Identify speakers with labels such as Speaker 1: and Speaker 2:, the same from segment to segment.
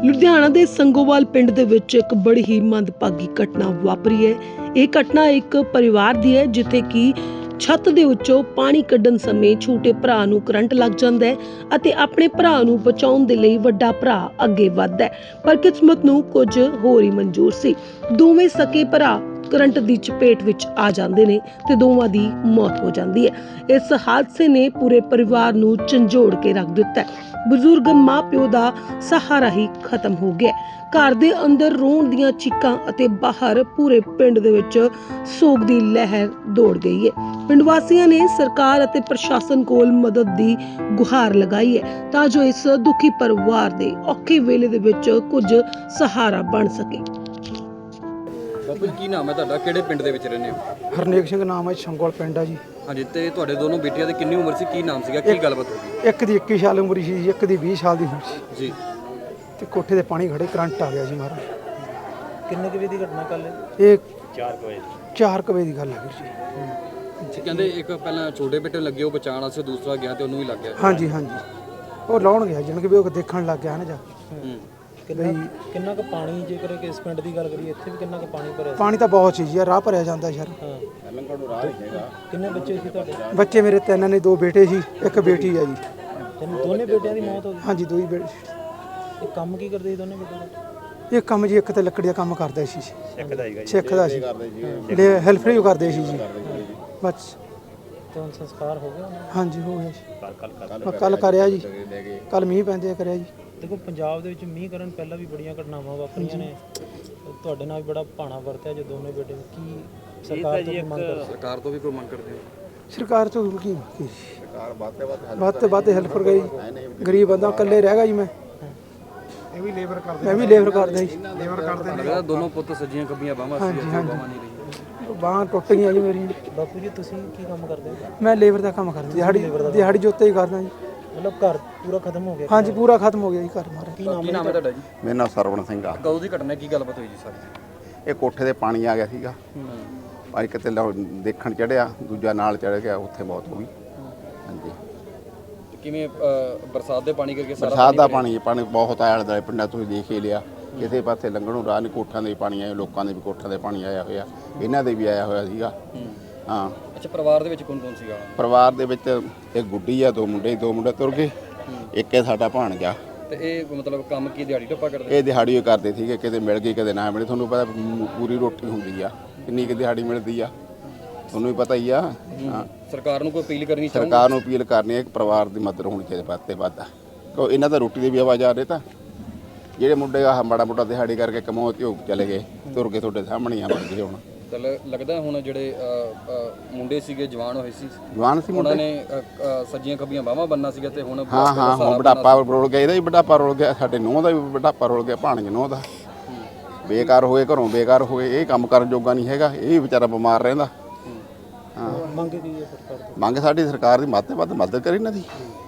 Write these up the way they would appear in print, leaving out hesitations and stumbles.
Speaker 1: ਲੁਧਿਆਣਾ ਦੇ ਸੰਗੋਵਾਲ ਪਿੰਡ ਦੇ ਵਿੱਚ ਇੱਕ ਬੜੀ ਹੀ ਮੰਦਭਾਗੀ ਘਟਨਾ ਵਾਪਰੀ ਹੈ। ਇਹ ਘਟਨਾ ਇੱਕ ਪਰਿਵਾਰ ਦੀ ਹੈ ਜਿੱਥੇ ਕਿ ਛੱਤ ਦੇ ਉੱਚੋਂ ਪਾਣੀ ਕੱਢਣ ਸਮੇਂ ਛੋਟੇ ਭਰਾ ਨੂੰ ਕਰੰਟ ਲੱਗ ਜਾਂਦਾ ਹੈ ਅਤੇ ਆਪਣੇ ਭਰਾ ਨੂੰ ਬਚਾਉਣ ਦੇ ਲਈ ਵੱਡਾ ਭਰਾ ਅੱਗੇ ਵੱਧਦਾ ਹੈ, ਪਰ ਕਿਸਮਤ ਨੂੰ ਕੁਝ ਹੋਰ ਹੀ ਮਨਜ਼ੂਰ ਸੀ। ਦੋਵੇਂ ਸਕੇ ਭਰਾ ਕਰੰਟ ਦੀ ਚਪੇਟ ਵਿੱਚ ਆ ਜਾਂਦੇ ਨੇ ਤੇ ਦੋਵਾਂ ਦੀ ਮੌਤ ਹੋ ਜਾਂਦੀ ਹੈ। ਇਸ ਹਾਦਸੇ ਨੇ ਪੂਰੇ ਪਰਿਵਾਰ ਨੂੰ ਝੰਜੋੜ ਕੇ ਰੱਖ ਦਿੱਤਾ ਹੈ। ਬਜ਼ੁਰਗ ਮਾਂ-ਪਿਓ ਦਾ ਸਹਾਰਾ ਹੀ ਖਤਮ ਹੋ ਗਿਆ। ਘਰ ਦੇ ਅੰਦਰ ਰੋਣ ਦੀਆਂ ਚੀਕਾਂ ਅਤੇ ਬਾਹਰ ਪੂਰੇ ਪਿੰਡ ਦੇ ਵਿੱਚ ਸੋਗ ਦੀ ਲਹਿਰ ਦੌੜ ਗਈ ਹੈ। ਪਿੰਡ ਵਾਸੀਆਂ ਨੇ ਸਰਕਾਰ ਅਤੇ ਪ੍ਰਸ਼ਾਸਨ ਕੋਲ ਮਦਦ ਦੀ ਗੁਹਾਰ ਲਗਾਈ ਹੈ ਤਾਂ ਜੋ ਇਸ ਦੁਖੀ ਪਰਿਵਾਰ ਦੇ ਔਖੇ ਵੇਲੇ ਦੇ ਵਿੱਚ ਕੁਝ ਸਹਾਰਾ ਬਣ ਸਕੇ।
Speaker 2: ਬਾਪੂ ਜੀ ਕੀ ਨਾਮ ਹੈ ਤੁਹਾਡਾ, ਕਿਹੜੇ ਪਿੰਡ ਦੇ ਵਿੱਚ ਰਹਿੰਦੇ ਹੋ?
Speaker 3: ਹਰਨੇਕ ਸਿੰਘ ਨਾਮ ਹੈ, ਸੰਗੋਲ ਪਿੰਡ ਆ ਜੀ।
Speaker 2: ਹਾਂਜੀ, ਤੇ ਤੁਹਾਡੇ ਦੋਨੋਂ ਬੇਟੀਆਂ ਦੀ ਕਿੰਨੀ ਉਮਰ ਸੀ, ਕੀ ਨਾਮ ਸੀਗਾ, ਕੀ ਗੱਲਬਾਤ ਹੋ ਗਈ?
Speaker 3: ਇੱਕ ਦੀ 21 ਸਾਲ ਉਮਰ ਸੀ, ਇੱਕ ਦੀ 20 ਸਾਲ ਦੀ ਉਮਰ ਸੀ
Speaker 2: ਜੀ।
Speaker 3: ਤੇ ਕੋਠੇ ਤੇ ਪਾਣੀ ਖੜੇ, ਕਰੰਟ ਆ ਗਿਆ ਜੀ ਮਹਾਰਾਜ।
Speaker 4: ਕਿੰਨੇ ਕੁ ਵਜੇ ਦੀ ਘਟਨਾ ਕੱਲ?
Speaker 3: ਇਹ 4 ਵਜੇ ਦੀ ਗੱਲ ਹੈ ਵੀਰ ਜੀ।
Speaker 2: ਕਹਿੰਦੇ ਇੱਕ ਪਹਿਲਾਂ ਛੋਟੇ ਬੇਟੇ ਨੂੰ ਲੱਗੇ, ਉਹ ਬਚਾਉਣ ਵਾਸਤੇ, ਦੂਸਰਾ ਗਿਆ ਤੇ ਉਹਨੂੰ ਵੀ ਲੱਗ ਗਿਆ।
Speaker 3: ਹਾਂਜੀ ਹਾਂਜੀ, ਉਹ ਲਾਉਣ ਗਿਆ ਜਾਨ ਕਿ ਵੀ ਉਹ ਦੇਖਣ ਲੱਗ ਗਿਆ ਨਾ ਜਾ।
Speaker 4: ਕਿੰਨਾ ਕੁ ਪਾਣੀ, ਜੇਕਰ ਇਸ ਪਿੰਡ ਦੀ ਗੱਲ ਕਰੀਏ, ਇੱਥੇ ਵੀ ਕਿੰਨਾ ਕੁ ਪਾਣੀ ਭਰਿਆ?
Speaker 3: ਪਾਣੀ ਤਾਂ ਬਹੁਤ ਸੀ ਜੀ, ਰਾਹ ਭਰਿਆ ਜਾਂਦਾ ਯਾਰ।
Speaker 4: ਕਿੰਨੇ ਬੱਚੇ ਸੀ ਤੁਹਾਡੇ?
Speaker 3: ਬੱਚੇ ਮੇਰੇ 3 ਨੇ, 2 ਬੇਟੇ ਸੀ, ਇੱਕ ਬੇਟੀ ਆ ਜੀ।
Speaker 4: ਦੋਨੇ ਬੇਟਿਆਂ ਦੀ ਮੌਤ ਹੋ ਗਈ?
Speaker 3: ਹਾਂਜੀ, 2 ਹੀ ਬੇਟੇ।
Speaker 4: ਇਹ ਕੰਮ ਕੀ ਕਰਦੇ ਸੀ ਦੋਨੇ ਬੇਟੇ?
Speaker 3: ਇਹ ਕੰਮ ਜੀ, ਇੱਕ ਤਾਂ ਲੱਕੜੀ ਦਾ ਕੰਮ ਕਰਦਾ ਸੀ, ਸਿੱਖ ਦਾ ਸੀ, ਹੈਲਪ ਹੀ ਕਰਦੇ ਸੀ ਜੀ ਬਸ।
Speaker 4: ਤੇ ਹੁਣ ਸੰਸਕਾਰ ਹੋ ਗਿਆ?
Speaker 3: ਹਾਂਜੀ ਹੋ ਗਿਆ ਜੀ, ਕੱਲ ਕਰਿਆ ਜੀ, ਕੱਲ ਮੀਂਹ ਪੈਂਦੇ ਕਰਿਆ ਜੀ।
Speaker 4: ਦੇਖੋ, ਪੰਜਾਬ ਦੇ ਵਿੱਚ ਮੀਂਹ ਕਰਨ ਪਹਿਲਾਂ ਵੀ ਬੜੀਆਂ ਘਟਨਾਵਾਂ ਵਾਪਰੀਆਂ ਨੇ, ਤੁਹਾਡੇ ਨਾਲ ਵੀ ਬੜਾ ਭਾਣਾ ਵਰਤਿਆ ਜੇ ਦੋਨੇ ਬੇਟੇ। ਕੀ ਸਰਕਾਰ ਤੋਂ ਮੰਗ ਕਰਦੇ?
Speaker 2: ਸਰਕਾਰ ਤੋਂ ਵੀ ਕੋਈ ਮੰਗ ਕਰਦੇ ਹੋ?
Speaker 3: ਸਰਕਾਰ ਤੋਂ ਕੀ ਸਰਕਾਰ ਵੱਧ ਤੋਂ ਵੱਧ ਹੈਲਪ ਕਰ ਗਈ। ਗਰੀਬ ਬੰਦਾ ਇਕੱਲੇ ਰਹਿ ਗਿਆ ਜੀ। ਮੈਂ ਵੀ ਲੇਬਰ ਕਰਦਾ ਜੀ।
Speaker 2: ਲੱਗਦਾ ਦੋਨੋਂ ਪੁੱਤ ਸੱਜੀਆਂ ਖੱਬੀਆਂ ਬਾਹਾਂ ਸੀ, ਬਾਹਾਂ ਨਹੀਂ ਰਹੀਆਂ।
Speaker 3: ਬਾਹਾਂ ਟੁੱਟ ਗਈਆਂ ਜੀ ਮੇਰੀ।
Speaker 4: ਬਾਪੂ ਜੀ, ਤੁਸੀਂ ਕੀ ਕੰਮ ਕਰਦੇ ਹੋ?
Speaker 3: ਮੈਂ ਲੇਬਰ ਦਾ ਕੰਮ ਕਰਦਾ, ਦਿਹਾੜੀ ਜੋਤੇ ਹੀ ਕਰਦਾ ਜੀ।
Speaker 4: ਮਤਲਬ ਘਰ ਪੂਰਾ ਖਤਮ ਹੋ ਗਿਆ?
Speaker 3: ਹਾਂਜੀ, ਪੂਰਾ ਖਤਮ ਹੋ ਗਿਆ ਜੀ ਘਰ ਮਾਰਾ।
Speaker 2: ਕੀ ਨਾਮ ਹੈ ਤੁਹਾਡਾ ਜੀ?
Speaker 5: ਮੇਰਾ ਨਾਮ ਸਰਵਣ ਸਿੰਘ ਆ।
Speaker 2: ਕਦੋਂ ਦੀ ਘਟਨਾ, ਕੀ ਗੱਲਬਾਤ ਹੋਈ ਜੀ ਸਾਰੀ?
Speaker 5: ਇਹ ਕੋਠੇ ਤੇ ਪਾਣੀ ਆ ਗਿਆ ਸੀਗਾ, ਭਾਈ ਕਿਤੇ ਦੇਖਣ ਚੜਿਆ, ਦੂਜਾ ਨਾਲ ਚੜ ਗਿਆ, ਉੱਥੇ ਮੌਤ ਹੋ ਗਈ। ਹਾਂਜੀ।
Speaker 2: ਕਿਵੇਂ ਬਰਸਾਤ ਦੇ ਪਾਣੀ ਕਰਕੇ?
Speaker 5: ਬਰਸਾਤ ਦਾ ਪਾਣੀ ਬਹੁਤ ਆਇਆ ਦੁਆਲੇ ਪਿੰਡਾਂ, ਤੁਸੀਂ ਦੇਖ ਹੀ ਲਿਆ। ਕਿਸੇ ਪਾਸੇ ਲੰਘਣ ਨੂੰ ਰਾਹ ਨਹੀਂ, ਕੋਠਾਂ ਦੇ ਪਾਣੀ ਆਏ, ਲੋਕਾਂ ਦੇ ਵੀ ਕੋਠਾਂ ਦੇ ਪਾਣੀ ਆਇਆ ਹੋਇਆ, ਇਹਨਾਂ ਦੇ ਵੀ ਆਇਆ ਹੋਇਆ ਸੀਗਾ। ਹਾਂ।
Speaker 2: ਅੱਛਾ, ਪਰਿਵਾਰ ਦੇ ਵਿੱਚ ਕੌਣ ਕੌਣ ਸੀਗਾ?
Speaker 5: ਪਰਿਵਾਰ ਦੇ ਵਿੱਚ ਇੱਕ ਗੁੱਡੀ ਆ, 2 ਮੁੰਡੇ ਤੁਰ ਗਏ, ਇੱਕ ਇਹ ਸਾਡਾ ਭਾਣਜਾ।
Speaker 2: ਤੇ ਇਹ ਮਤਲਬ ਕੰਮ ਕੀ ਦਿਹਾੜੀ ਟੱਪਾ ਕਰਦੇ?
Speaker 5: ਇਹ ਦਿਹਾੜੀ ਕਰਦੇ ਸੀਗੇ, ਕਿਤੇ ਮਿਲ ਗਈ ਕਦੇ ਨਾ ਮਿਲੇ। ਤੁਹਾਨੂੰ ਪਤਾ ਪੂਰੀ ਰੋਟੀ ਹੁੰਦੀ ਆ, ਕਿੰਨੀ ਕੁ ਦਿਹਾੜੀ ਮਿਲਦੀ ਆ, ਤੁਹਾਨੂੰ ਵੀ ਪਤਾ ਹੀ ਆ। ਹਾਂ।
Speaker 2: ਸਰਕਾਰ ਨੂੰ ਕੋਈ ਅਪੀਲ ਕਰਨੀ ਚਾਹੁੰਦੇ?
Speaker 5: ਸਰਕਾਰ ਨੂੰ ਅਪੀਲ ਕਰਨੀ ਹੈ ਕਿ ਪਰਿਵਾਰ ਦੀ ਮਦਦ ਹੋਣੀ ਚਾਹੀਦੀ ਵੱਧ ਤੋਂ ਵੱਧ। ਕਿਉਂ ਇਹਨਾਂ ਦਾ ਰੋਟੀ ਦੀ ਵੀ ਆਵਾਜ਼ ਆ ਰਹੀ। ਤਾਂ ਜਿਹੜੇ ਮੁੰਡੇ ਆ ਮਾੜਾ ਮੋਟਾ ਦਿਹਾੜੀ ਕਰਕੇ ਕਮਾਓ ਤੇ ਉਹ ਚਲੇ ਗਏ, ਤੁਰ ਕੇ ਤੁਹਾਡੇ ਸਾਹਮਣੇ ਆ ਬਣ ਗਏ। ਹੁਣ
Speaker 2: ਤਾਂ ਲੱਗਦਾ ਹੁਣ ਜਿਹੜੇ ਮੁੰਡੇ ਸੀਗੇ ਜਵਾਨ ਹੋਏ ਸੀ,
Speaker 5: ਜਵਾਨ ਸੀ
Speaker 2: ਉਹਨਾਂ ਨੇ ਸੱਜੀਆਂ ਖੱਬੀਆਂ ਬਾਹਾਂ ਬੰਨਣਾ ਸੀਗਾ ਤੇ ਹੁਣ
Speaker 5: ਹਾਂ ਹੁਣ ਬੁਢਾਪਾ ਰੋਲ ਗਿਆ, ਇਹਦਾ ਵੀ ਬੁਢਾਪਾ ਰੋਲ ਗਿਆ, ਸਾਡੇ ਨੂੰਹ ਦਾ ਵੀ ਬੁਢਾਪਾ ਰੋਲ ਗਿਆ, ਭਾਣਜੇ ਨੂੰਹ ਦਾ। ਬੇਕਾਰ ਹੋਏ, ਘਰੋਂ ਬੇਕਾਰ ਹੋਏ, ਇਹ ਕੰਮ ਕਰਨ ਜੋਗਾ ਨਹੀਂ ਹੈਗਾ, ਇਹ ਵੀ ਵਿਚਾਰਾ ਬਿਮਾਰ ਰਹਿੰਦਾ। ਹਾਂ।
Speaker 4: ਮੰਗ ਕੀ ਹੈ ਸਰਕਾਰ ਤੋਂ?
Speaker 5: ਮੰਗ ਸਾਡੀ ਸਰਕਾਰ ਦੀ ਵੱਧ ਤੋਂ ਵੱਧ ਮਦਦ ਕਰੇ ਇਹਨਾਂ ਦੀ,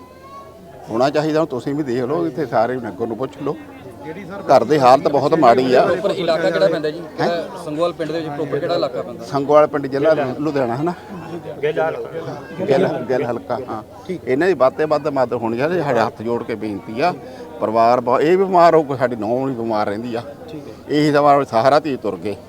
Speaker 5: ਹੋਣਾ ਚਾਹੀਦਾ। ਤੁਸੀਂ ਵੀ ਦੇਖ ਲਓ, ਇੱਥੇ ਸਾਰੇ ਨਗਰ ਨੂੰ ਪੁੱਛ ਲਓ, ਘਰ ਦੀ ਹਾਲਤ ਬਹੁਤ ਮਾੜੀ ਆ।
Speaker 2: ਪਰ ਇਲਾਕਾ ਕਿਹੜਾ ਪੈਂਦਾ ਜੀ? ਸੰਗੋਵਾਲ ਪਿੰਡ ਦੇ ਵਿੱਚ ਪ੍ਰੋਪਰ ਕਿਹੜਾ ਇਲਾਕਾ ਪੈਂਦਾ?
Speaker 5: ਸੰਗੋਵਾਲ ਪਿੰਡ, ਜ਼ਿਲ੍ਹਾ ਲੁਧਿਆਣਾ ਹੈ ਨਾ, ਗਿੱਲ ਹਲਕਾ। ਹਾਂ, ਇਹਨਾਂ ਦੀ ਵੱਧ ਤੋਂ ਵੱਧ ਮਦਦ ਹੋਣੀ ਚਾਹੀਦੀ। ਸਾਡੇ ਹੱਥ ਜੋੜ ਕੇ ਬੇਨਤੀ ਆ। ਪਰਿਵਾਰ ਇਹ ਬਿਮਾਰ ਹੋ, ਸਾਡੀ ਨੂੰਹ ਵੀ ਬਿਮਾਰ ਰਹਿੰਦੀ ਆ। ਇਹੀ ਸਵਾਲ ਸਹਾਰਾ ਧੀ ਤੁਰ ਗਏ,